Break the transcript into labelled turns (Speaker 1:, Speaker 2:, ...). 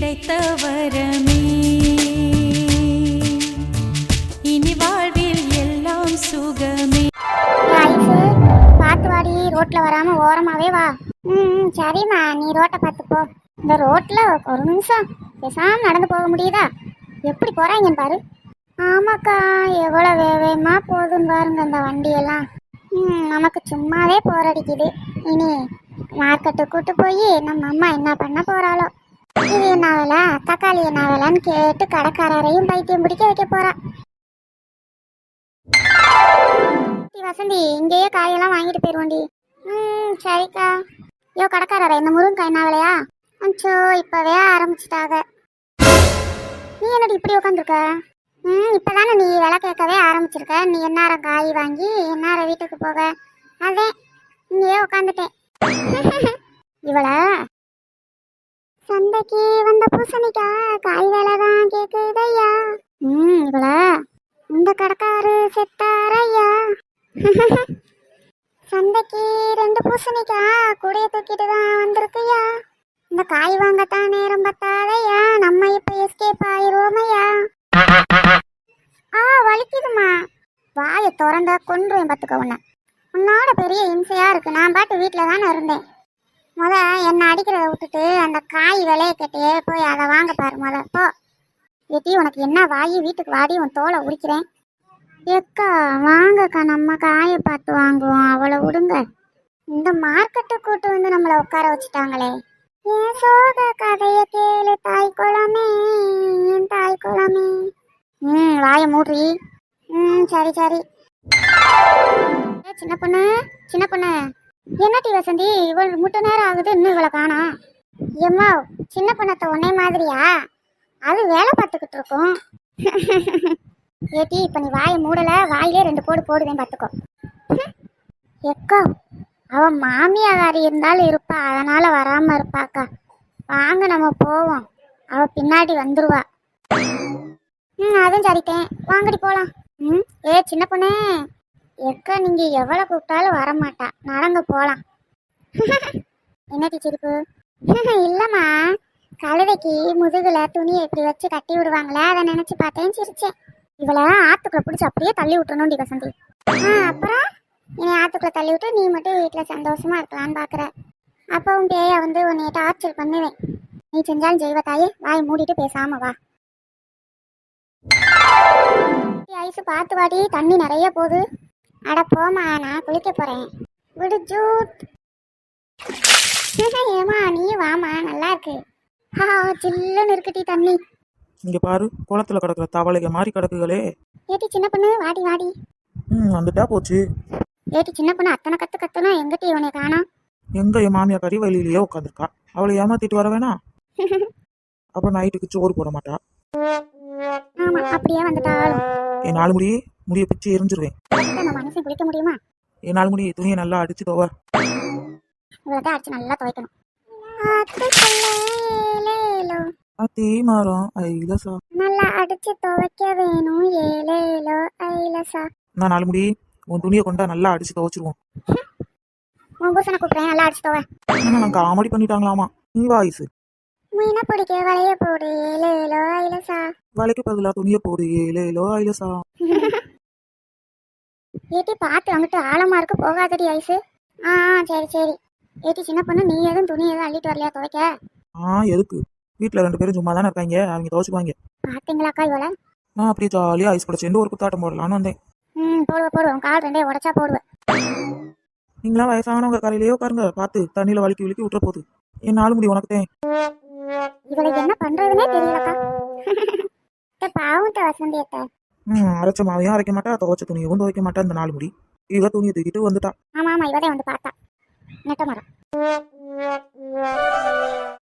Speaker 1: கிடைத்த வரமே இனி வாழ்வில் எல்லாம் சுகமே.
Speaker 2: பார்த்து வாடி, ரோட்ல வராம ஓரமாவே வா. சரிம்மா, நீ ரோட்டை பார்த்து போ. இந்த ரோட்ல ஒரு நிமிஷம் பேசாம நடந்து போக முடியுதா? எப்படி போறாங்கன்னு பாரு. ஆமாக்கா, எவ்வளவு வேகமா போகுதுன்னு பாருங்க இந்த வண்டியெல்லாம். நமக்கு சும்மாவே போரடிக்குது. இனி மார்க்கெட்டு கூட்டு போய் நம்ம அம்மா என்ன பண்ண போறாளோ. இது என்ன வேலை, தக்காளி என்ன வேலைன்னு கேட்டு கடைக்காரரையும் பைத்தியம் பிடிக்க வைக்க போறா. வசந்தி, இங்கேயே காயெல்லாம் வாங்கிட்டு போயிருவோண்டி. சரிக்கா. யோ கடைக்காரரை, இந்த முருங்கக்காய் என்ன விலையா? அச்சோ, இப்பவே ஆரம்பிச்சிட்டாங்க. நீ என்னடி இப்படி உட்காந்துருக்க? இப்பதானே நீ விலை கேட்கவே ஆரம்பிச்சிருக்க. நீ எந்நேரம் காய் வாங்கி எந்நேரம் வீட்டுக்கு போக? அதே இங்கேயே உட்காந்துட்டேன். இவள சந்தைக்கு வந்த பூசணிக்கா காய் வேலை தான் கேக்குதையா. இவள இந்த கடைக்காரு செத்தாரையா. சந்தைக்கு 2 பூசணிக்கா கூடைய தூக்கிட்டு தான் வந்திருக்குயா. இந்த காய் வாங்கத்தான் நேரம் பத்தாதையா. நம்ம இப்ப எஸ்கேப் ஆயிரோமையா. வலிக்குதுமா. வாயை திறந்த கொன்றுவேன் பார்த்துக்க உன்னை. உன்னோட பெரிய இம்சையா இருக்கு. நான் பாட்டு வீட்டில் தானே இருந்தேன். என்னை அடிக்கிறத விட்டுட்டு அந்த காய் விலையை கேட்டே போய் அதை வாங்க பாரு. போ ஏட்டி, உனக்கு என்ன வாயி, வீட்டுக்கு வாடி, உன் தோலை உரிக்கிறேன். ஏக்கா வாங்கக்கா, நம்ம காயை பார்த்து வாங்குவோம், அவளை விடுங்க. இந்த மார்க்கெட்டு கூட்டு வந்து நம்மளை உட்கார வச்சுட்டாங்களே. ஏன் சோக கதைய கேளு தாய் குளமே, என் தாய் குளமே. வாய மூடி. சரி சரி. சின்ன பொண்ணு, சின்ன பொண்ணு, என்னட்டி வசந்தி இவள் முட்டை நேரம் ஆகுது, இன்னும் இவளை காணோம். ஏம்மா, சின்ன பொண்ணத்தை உன்னை மாதிரியா? அது வேலை பார்த்துக்கிட்டு இருக்கோம். ஏட்டி, இப்ப நீ வாயை மூடல, வாயிலே 2 போடு போடுவேன் பார்த்துக்கோ. எக்கா, அவன் மாமியாரி இருந்தாலும் இருப்பா, அதனால வராம இருப்பாக்கா. வாங்க நம்ம போவோம், அவ பின்னாடி வந்துருவா. அதுவும் சரிட்டேன், வாங்கடி போலாம். சின்ன பொண்ணே. எக்கா, நீங்க எவ்வளவு கூப்பிட்டாலும் வரமாட்டா, நடங்க போலாம். என்னடி சிரிப்பு? இல்லம்மா, கழுதைக்கு முதுகுல துணியை இப்படி வச்சு கட்டி விடுவாங்களே, அதை நினைச்சு பார்த்தேன், சிரிச்சேன். இவளை ஆத்துக்குள்ள பிடிச்சி அப்படியே தள்ளி விட்டுணும்டி வசந்தி. அப்புறம் என்னை ஆத்துக்குள்ள தள்ளி விட்டு நீ மட்டும் வீட்டில் சந்தோஷமா இருக்கலான்னு பாக்குற. அப்பவும் பேயா வந்து உன்னை டார்ச்சர் பண்ணுவேன். நீ செஞ்சாலும் செய்வ தாயே, வாய் மூடிட்டு பேசாம வா. ஐசு பார்த்து வாடி, தண்ணி நிறைய போகுது. அட போமா, நான் குளிக்க போறேன். விடு ஜூட். ஏமா நீ வாமா, நல்லா இருக்கு. சில்லுன்னு இருக்குடி தண்ணி.
Speaker 3: இங்க பாரு, குளத்துல கிடக்குற தவளைக மாதிரி கிடக்குகளே.
Speaker 2: ஏட்டி சின்ன பொண்ணு, வாடி வாடி.
Speaker 3: வந்துட்டா போச்சு.
Speaker 2: ஏட்டி சின்ன பொண்ணு, அத்தனை கத்து கத்துனா எங்கிட்ட இவனை காணோம்.
Speaker 3: எங்க என் மாமியா கறி வழியிலேயே உட்காந்துருக்கா. அவளை ஏமாத்திட்டு வர வேணா. அப்ப நைட்டுக்கு சோறு போட மாட்டா.
Speaker 2: ஆமா, அப்படியே வந்துட்டாலும்
Speaker 3: என் 4 முடிய பிச்சு எரிஞ்சிருவேன்.
Speaker 2: மனசை குளிக்க முடியுமா?
Speaker 3: என் 4 முடி துணியை நல்லா அடிச்சு தோவ.
Speaker 2: இவ்வளவு அடிச்சு நல்லா துவைக்கணும்.
Speaker 3: அத்தி மரம் ஐலசா,
Speaker 2: நல்லா அடிச்சு துவைக்க வேணும். ஏலேலோ ஐலசா.
Speaker 3: நான் 4 முடி உன் துணியை கொண்டா நல்லா அடிச்சு துவைச்சிருவோம்.
Speaker 2: உன் புருஷனை கூப்பிடுறேன், நல்லா அடிச்சு துவை.
Speaker 3: நான் காமெடி பண்ணிட்டாங்களாமா. நீ வாய்ஸ்
Speaker 2: மீன பிடிக்க வளைய போடு. ஏலேலோ ஐலசா.
Speaker 3: வலைக்கு பதிலா துணியை போடு. ஏலேலோ ஐலசா.
Speaker 2: ஏட்டி பார்த்து அங்கிட்டு ஆழமா இருக்கு, போகாதடி ஐசு. சரி சரி. ஏட்டி சின்ன பொண்ணு, நீ எதுவும் துணி எதுவும் அள்ளிட்டு வரலையா துவைக்க?
Speaker 3: எதுக்கு? வீட்டுல 2 பேரும் சும்மா தானே இருக்காங்க, அவங்க துவைச்சுக்குவாங்க.
Speaker 2: பாத்தீங்களாக்கா இவள?
Speaker 3: நான் அப்படியே ஜாலியா ஐஸ் கூட சேர்ந்து ஒரு குத்தாட்டம் போடலான்னு வந்தேன்.
Speaker 2: போடுவேன், கால் 2 உடைச்சா போடுவேன்.
Speaker 3: நீங்களாம் வயசானவங்க கரையிலேயே உட்காருங்க, பார்த்து தண்ணியில வலிக்கி விட்டுற போகுது. என் 4 முடி உனக்குத்தேன்.
Speaker 2: இவளுக்கு என்ன பண்றதுன்னே தெரியலக்கா. பாவம் வசந்தியத்தை.
Speaker 3: அரைச்ச மாவையும் அரைக்க மாட்டா, துவைச்ச துணியவும் துவைக்க மாட்டா. இந்த 4 முடி இவ துணியை தூக்கிட்டு வந்துட்டா.
Speaker 2: ஆமா இவதே வந்து பார்த்தா. நெட்ட மரம்.